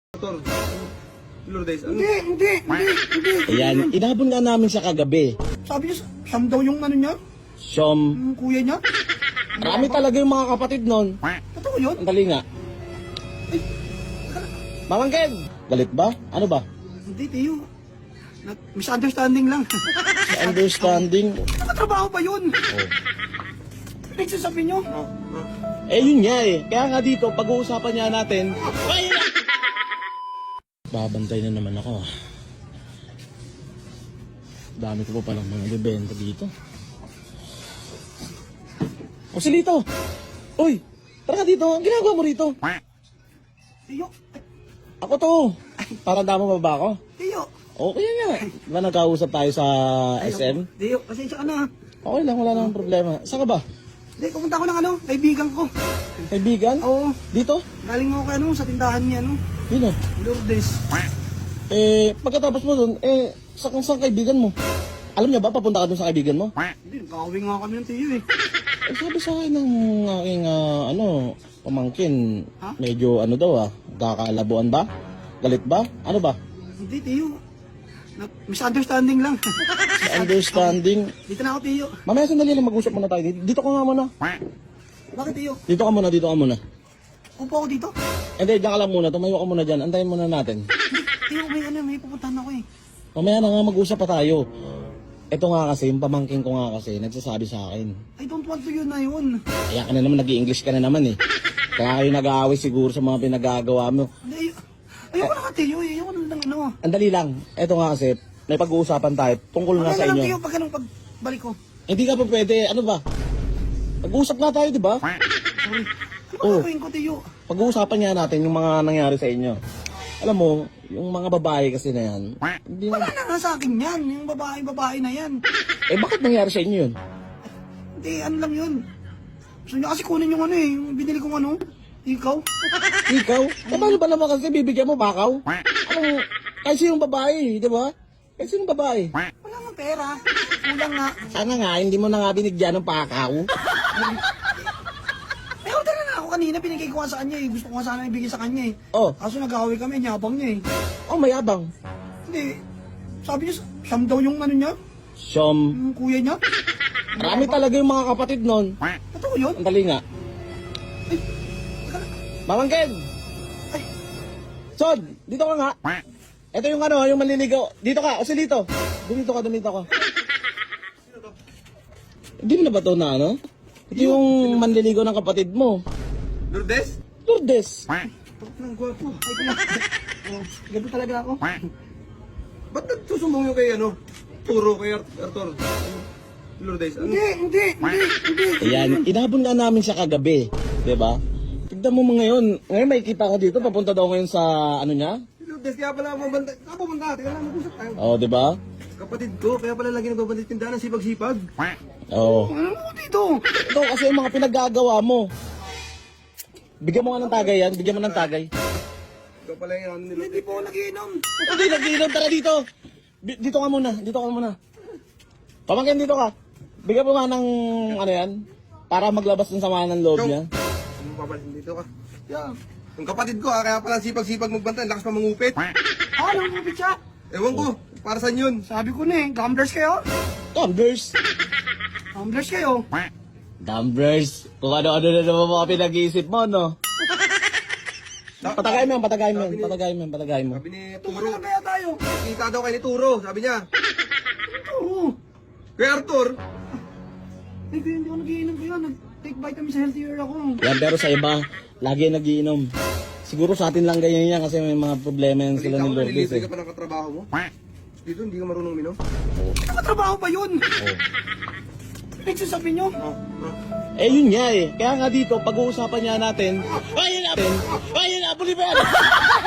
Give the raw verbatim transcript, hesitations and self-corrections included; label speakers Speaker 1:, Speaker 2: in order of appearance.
Speaker 1: Tor, Lourdes, ano?
Speaker 2: Hindi, hindi, hindi, hindi.
Speaker 3: Ayan, inabon nga namin siya kagabi.
Speaker 2: Sabi niya, siyam daw yung ano niya,
Speaker 3: Siyom.
Speaker 2: yung kuya niya.
Speaker 3: Marami talaga yung mga kapatid nun.
Speaker 2: Totoo yun?
Speaker 3: Ang dali nga.
Speaker 2: Ay,
Speaker 3: Mamangkin! Galit ba? Ano ba?
Speaker 2: hindi, Tiyo. Nag- misunderstanding lang.
Speaker 3: Understanding.
Speaker 2: Nakatrabaho ba yun?
Speaker 3: Oh.
Speaker 2: Nagsasabi niyo?
Speaker 1: Oh, oh.
Speaker 3: Eh yun nga eh. Kaya nga dito, pag-uusapan niya natin. Ay, na- Babantay na naman ako. Dami ko pa palang mga bibenta dito. O si Lito! Uy! Tara ka dito! Ang ginagawa mo rito?
Speaker 2: Tiyo,
Speaker 3: Ako to! Para damo ba ba ako?
Speaker 2: Tiyo.
Speaker 3: Okay nga. Di ba nagkausap tayo sa S M?
Speaker 2: Tiyo, pasensya ka na.
Speaker 3: Okay lang, wala namang problema. Saan ka ba?
Speaker 2: Hindi, pumunta ko ng ano, kaibigan ko.
Speaker 3: Kaibigan?
Speaker 2: Oo,
Speaker 3: Dito?
Speaker 2: galing ako kay ano, sa tindahan niya, ano,
Speaker 3: Dito?
Speaker 2: Lourdes.
Speaker 3: Eh, pagkatapos mo dun, eh, sa saan kaibigan mo? Alam niya ba, papunta ka dun sa kaibigan mo?
Speaker 2: Hindi, nagkakawin nga kami ng Tiyo eh.
Speaker 3: Eh, sabi sa akin ng aking, ah, ano, pamangkin,
Speaker 2: Ha?
Speaker 3: medyo ano daw ah, kakalabuan ba? Galit ba? Ano ba?
Speaker 2: Hindi, Tiyo. Nag- misunderstanding lang.
Speaker 3: Understanding.
Speaker 2: Dito na ako, Tiyo.
Speaker 3: Mamaya sandali lang, mag-usap muna tayo. Dito, dito ka nga muna.
Speaker 2: Bakit, Tiyo?
Speaker 3: Dito ka muna, dito ka muna.
Speaker 2: Upo ako dito?
Speaker 3: Hindi, diyan ka lang muna. Tumayo ka muna dyan. Antayin muna natin.
Speaker 2: Tiyo, may ano, may pupuntahan ako eh.
Speaker 3: Mamaya na nga mag-usap pa tayo. Ito nga kasi, yung pamangkin ko nga kasi, nagsasabi sa akin.
Speaker 2: I don't want to yun na yun.
Speaker 3: Kaya ka na naman, nag-i-English ka na naman eh. Kaya kayo nag-aaway siguro sa mga pinagagawa mo.
Speaker 2: Hindi, ay- ayoko na ka, Tiyo. eh. Ayoko na lang ano.
Speaker 3: Andali lang. Ito nga kasi, may pag-uusapan tayo tungkol nga
Speaker 2: Ano
Speaker 3: sa
Speaker 2: na lang,
Speaker 3: inyo.
Speaker 2: Tiyo, pag anong pagbalik ko.
Speaker 3: Hindi ka pa pwede, ano ba? Pag-uusap nga tayo, di ba?
Speaker 2: Sorry. Ano
Speaker 3: Oh.
Speaker 2: gagawin ko, Tiyo?
Speaker 3: Pag-uusapan nga natin yung mga nangyari sa inyo. Alam mo, yung mga babae kasi na yan, hindi mo...
Speaker 2: Wala na nga sa akin yan. Yung babae-babae na yan.
Speaker 3: Eh, bakit nangyari sa inyo yun?
Speaker 2: Hindi, ano lang yun. Gusto niya kasi kunin yung ano eh. Yung binili kong ano. Ikaw.
Speaker 3: Ikaw? Eh, paano ba naman kasi bibigyan mo bakaw? Ano, kasi yung babae, di ba? Kasi yung babae.
Speaker 2: Wala nga pera. Kulang nga.
Speaker 3: Sana nga, hindi mo na nga binigyan ng pakaw.
Speaker 2: Eh, order na ako kanina. Pinigay ko nga sa kanya eh. Gusto ko nga sana ibigay sa kanya eh.
Speaker 3: Oh,
Speaker 2: Kaso nag-away kami. Nyabang niya eh.
Speaker 3: oh, mayabang.
Speaker 2: Hindi. Sabi niya, siyam daw yung ano niya.
Speaker 3: Siyom.
Speaker 2: Yung kuya niya.
Speaker 3: Marami talaga yung mga kapatid nun.
Speaker 2: Totoo yun?
Speaker 3: Ang dali nga.
Speaker 2: Ay, teka lang.
Speaker 3: Mamangkin!
Speaker 2: Ay,
Speaker 3: Sod, dito ka nga. Ito yung ano, yung manliligaw. Dito ka, o si Lito. Dumito ka, dumito ka. Hindi mo na ba ito na ano? Ito yung manliligaw ng kapatid mo.
Speaker 1: Lourdes?
Speaker 3: Lourdes.
Speaker 2: ang gwapo. Ay, kuma. Oh, ganito talaga ako.
Speaker 1: Ba't nagsusumbong yung kay ano? Turo kay Art Arthur? Lourdes, ano?
Speaker 2: Hindi, hindi, hindi, hindi.
Speaker 3: Ayan, inabon nga namin siya kagabi. Diba? Tignan mo mo ngayon. Ngayon may kita ko dito. Papunta daw ngayon sa ano niya.
Speaker 1: Lourdes, kaya pala mabanda. Saan pumunta? Teka lang, mag-usap tayo.
Speaker 3: Oo, diba?
Speaker 1: Kapatid ko, kaya pala lagi nagbabanda sa tindahan ng sipag-sipag.
Speaker 3: Oo.
Speaker 2: Ano mo dito?
Speaker 3: Ito kasi yung mga pinaggagawa mo. Bigyan mo nga ng tagay yan. Bigyan mo ng tagay.
Speaker 1: Ikaw pala yung ano ni
Speaker 2: Hindi
Speaker 1: Lourdes.
Speaker 2: po ako nagiinom.
Speaker 3: Hindi, nag-iinom. Tara dito. Bi- Dito ka muna. Dito ka muna. Pamangkin, dito ka. Bigyan mo nga ng ano yan. Para maglabas ng sama ng loob niya.
Speaker 1: Ano papalit dito ka?
Speaker 2: Yeah.
Speaker 1: Yung kapatid ko, ah, kaya pala sipag-sipag magbanta. Ang lakas pa mangupit.
Speaker 2: Ah, nangupit siya.
Speaker 1: Ewan ko, para saan yun?
Speaker 2: Sabi ko na eh, gamblers kayo?
Speaker 3: Tumblers.
Speaker 2: Gamblers kayo?
Speaker 3: Tumblers. Kung ano-ano na naman mga pinag-iisip mo, no? Patagay mo yan, patagay mo yan, patagay mo yan, patagay mo.
Speaker 1: Sabi ni
Speaker 2: Turo
Speaker 1: Turo,
Speaker 2: na kaya tayo.
Speaker 1: kita daw kay ni Turo, sabi niya.
Speaker 2: Oo.
Speaker 1: Kay Arthur,
Speaker 2: Ay, kaya hindi ako nagiinom kaya. Nag-take vitamins healthier ako.
Speaker 3: Yan, pero sa iba, lagi nagiinom. Siguro sa atin lang ganyan yan kasi may mga problema yan sila
Speaker 1: balita
Speaker 3: ni
Speaker 1: ko,
Speaker 3: Lourdes
Speaker 1: nalilibre
Speaker 3: eh.
Speaker 1: ka pa ng katrabaho mo. Dito, hindi ka marunong minom.
Speaker 2: Nakatrabaho ba yun?
Speaker 3: Oh.
Speaker 2: Nagsasabi niyo?
Speaker 1: Oh, oh.
Speaker 3: Eh yun nga eh. Kaya nga dito, pag-uusapan niya natin, ayun na, ayun na, Bolivar!